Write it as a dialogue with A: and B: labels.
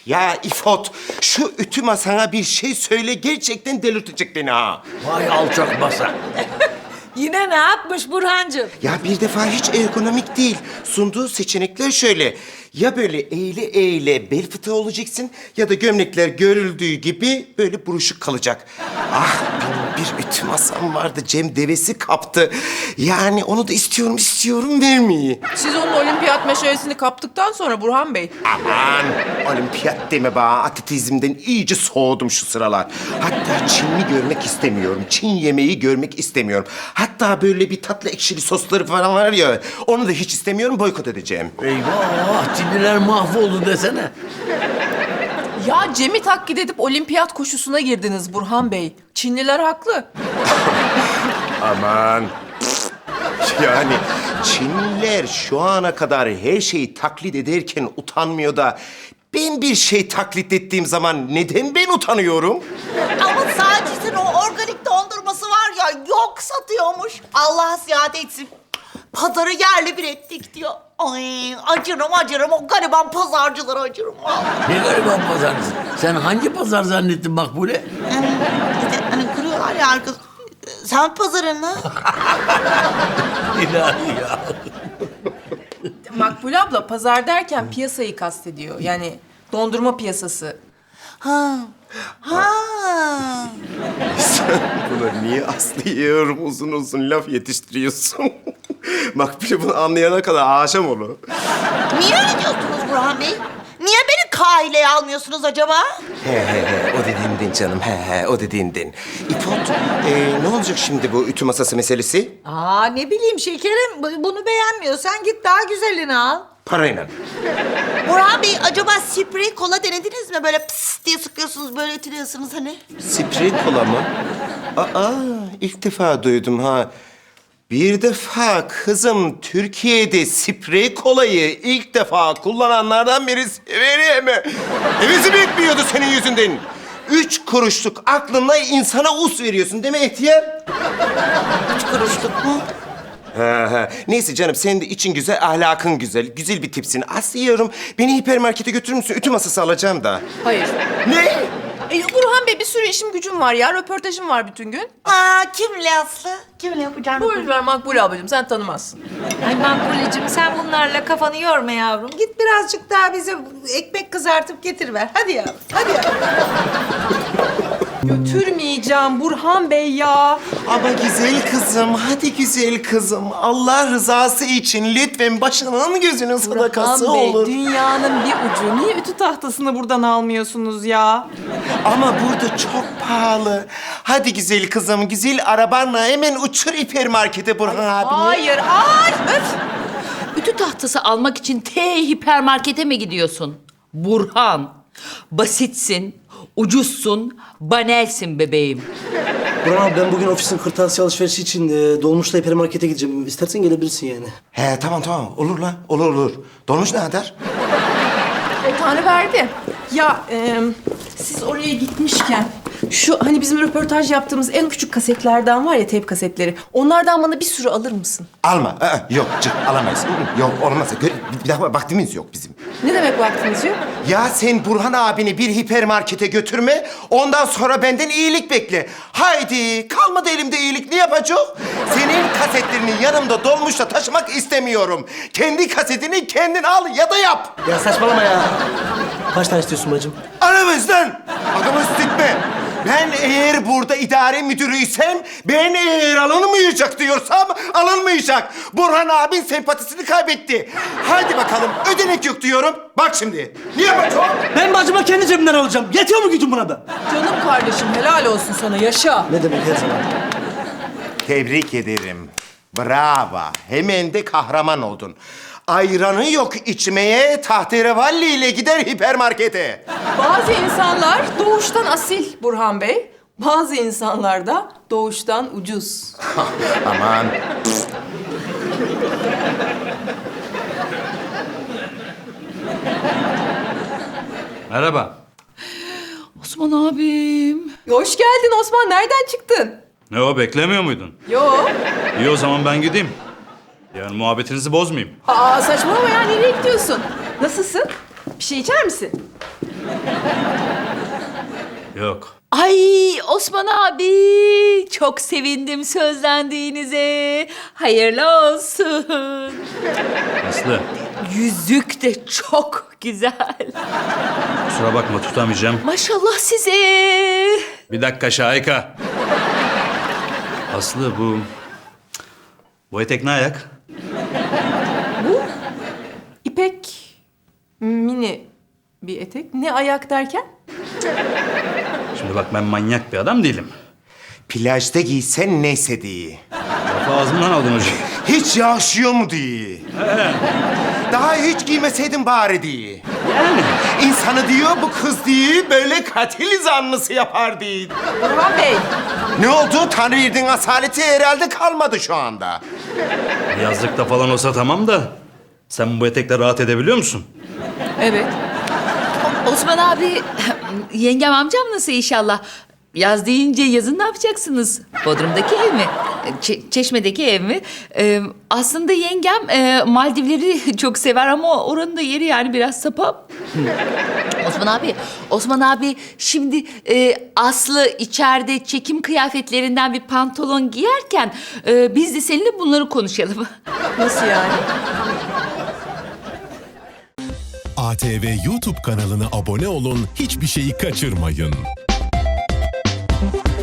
A: Ya İfot, şu ütü masana bir şey söyle, gerçekten delirtecek beni ha.
B: Vay alçak masa.
C: Yine ne yapmış Burhancığım?
A: Ya bir defa hiç ergonomik değil. Sunduğu seçenekler şöyle. Ya böyle eğile eğile bel fıtığı olacaksın ya da gömlekler görüldüğü gibi böyle buruşuk kalacak. Ah, benim bir ütü masam vardı. Cem devesi kaptı. Yani onu da istiyorum vermeyi.
D: Siz onun olimpiyat meşalesini kaptıktan sonra Burhan Bey.
A: Aman olimpiyat deme bana. Atletizmden iyice soğudum şu sıralar. Hatta Çinli görmek istemiyorum. Çin yemeği görmek istemiyorum. Hatta böyle bir tatlı ekşili sosları falan var ya. Onu da hiç istemiyorum, boykot edeceğim.
B: Eyvah, Çinliler mahvoldu desene.
D: Ya Cem'i taklit edip olimpiyat koşusuna girdiniz Burhan Bey. Çinliler haklı.
A: Aman. Yani Çinliler şu ana kadar her şeyi taklit ederken utanmıyor da... Ben bir şey taklit ettiğim zaman neden ben utanıyorum?
E: Ama Sacit'in o organik dondurması var ya, yok satıyormuş. Allah ziyade etsin. Pazarı yerle bir ettik diyor. Ay acırım o gariban pazarcılara acırım.
B: Ne gariban pazarcısın. Sen hangi pazar zannettin Makbule?
E: İşte hani kırıyorlar ya arkadaş. Sen pazarını.
B: İlahi ya.
D: Makbule abla pazar derken piyasayı kastediyor. Yani dondurma piyasası.
E: Ha.
A: Sen buna niye aslıyorum uzun uzun laf yetiştiriyorsun? Makbule bunu anlayana kadar aşam olur.
E: Niye öyle diyorsunuz Burhan Bey? Niye beni kaileye almıyorsunuz acaba?
A: He, o dediğinden canım, o dediğinden. İpot, ne olacak şimdi bu ütü masası meselesi?
C: Aa ne bileyim şekerim, bunu beğenmiyorsan git daha güzelini al.
A: Parayla.
E: Burhan Bey acaba sprey kola denediniz mi? Böyle pıs diye sıkıyorsunuz, böyle ütülüyorsunuz hani.
A: Sprey kola mı? Aa, ilk defa duydum ha. Bir defa kızım Türkiye'de sprey kolayı ilk defa kullananlardan birisi severim. Hevesi bitmiyordu senin yüzünden. 3 kuruşluk aklınla insana us veriyorsun değil mi ihtiyar?
E: 3 kuruşluk mu?
A: Neyse canım, senin de için güzel, ahlakın güzel. Güzel bir tipsin. Aslıyorum. Beni hipermarkete götürür müsün? Ütü masası alacağım da.
D: Hayır.
A: Ne?
D: Burhan Bey bir sürü işim gücüm var ya. Röportajım var bütün gün.
E: Aa, kimle Aslı? Kimle yapacağım?
D: Buyur ver Makbule ablacığım, sen tanımazsın.
C: Ay Makbulecığım sen bunlarla kafanı yorma yavrum. Git birazcık daha bize ekmek kızartıp getir ver. Hadi yavrum, hadi yavrum.
D: Götürmeyeceğim Burhan Bey ya.
A: Ama güzel kızım, hadi güzel kızım. Allah rızası için lütfen başının gözünün sadakası
D: Burhan Bey,
A: olur.
D: dünyanın bir ucu. Niye ütü tahtasını buradan almıyorsunuz ya?
A: Ama burada çok pahalı. Hadi güzel kızım, güzel arabanla hemen uçur hipermarkete Burhan abine.
D: Hayır, ay öf.
F: Ütü tahtası almak için hipermarkete mi gidiyorsun? Burhan, basitsin, ucuzsun, banelsin bebeğim.
G: Burhan abi ben bugün ofisin kırtasiye alışverişi için dolmuşla hipermarkete gideceğim. İstersen gelebilirsin yani.
A: He tamam olur lan, olur. Dolmuş ne kadar?
D: Tanrı verdi. Ya siz oraya gitmişken şu hani bizim röportaj yaptığımız en küçük kasetlerden var ya, teyp kasetleri. Onlardan bana bir sürü alır mısın?
A: Alma, yok alamayız. Yok olmaz. Bir daha vaktimiz yok bizim.
D: Ne demek vaktiniz yok?
A: Ya sen Burhan abini bir hipermarkete götürme, ondan sonra benden iyilik bekle. Haydi, kalmadı elimde iyilik, ne yapacak? Senin kasetlerini yanımda dolmuşla taşımak istemiyorum. Kendi kasetini kendin al ya da yap.
G: Ya saçmalama ya. Kaç tane istiyorsun bacım?
A: Aramızdan adamı sıkma. Ben eğer burada idare müdürüysem, ben eğer alınmayacak diyorsam alınmayacak. Burhan abin sempatisini kaybetti. Hadi bakalım, ödenek yok diyorum. Bak şimdi, ne yapacağım?
G: Ben bacıma kendi cebimden alacağım. Yetiyor mu gücüm buna da?
D: Canım kardeşim, helal olsun sana, yaşa.
G: Ne demek her zaman?
A: Tebrik ederim. Bravo. Hemen de kahraman oldun. Ayranı yok içmeye, tahterevalli ile gider hipermarkete.
D: Bazı insanlar doğuştan asil Burhan Bey. Bazı insanlar da doğuştan ucuz.
A: Aman.
H: Merhaba.
F: Osman abim.
D: Hoş geldin Osman, nereden çıktın?
H: Ne o, beklemiyor muydun?
D: Yo.
H: İyi o zaman ben gideyim. Yani muhabbetinizi bozmayayım.
D: Aa saçmalama ya, nereye gidiyorsun? Nasılsın? Bir şey içer misin?
H: Yok.
F: Ay Osman abi çok sevindim sözlendiğinize. Hayırlı olsun.
H: Aslı,
F: Yüzük de çok güzel.
H: kusura bakma tutamayacağım.
F: Maşallah size.
H: Bir dakika Şahika. Aslı bu etek ne ayak?
D: İpek mini bir etek. Ne ayak derken?
H: Şimdi bak ben manyak bir adam değilim.
A: Plajda giysen neyse diye.
H: Lafı ağzımdan aldın hocam.
A: Hiç yağışıyor mu diye. Daha hiç giymeseydin bari diye. İnsanı diyor bu kız diye böyle katil zanlısı yapar diye.
D: Burhan Bey.
A: Ne oldu? Tanrıverdiğin asaleti herhalde kalmadı şu anda.
H: Yazlıkta falan olsa tamam da sen bu etekle rahat edebiliyor musun?
D: Evet.
F: Osman abi yengem amcam nasıl inşallah? Yaz deyince yazın ne yapacaksınız? Bodrum'daki ev mi? Çeşme'deki ev mi? Aslında yengem Maldivleri çok sever ama oranın da yeri yani biraz sapap. Osman abi şimdi Aslı içeride çekim kıyafetlerinden bir pantolon giyerken biz de seninle bunları konuşalım.
D: Nasıl yani?
I: ATV YouTube kanalına abone olun, hiçbir şeyi kaçırmayın.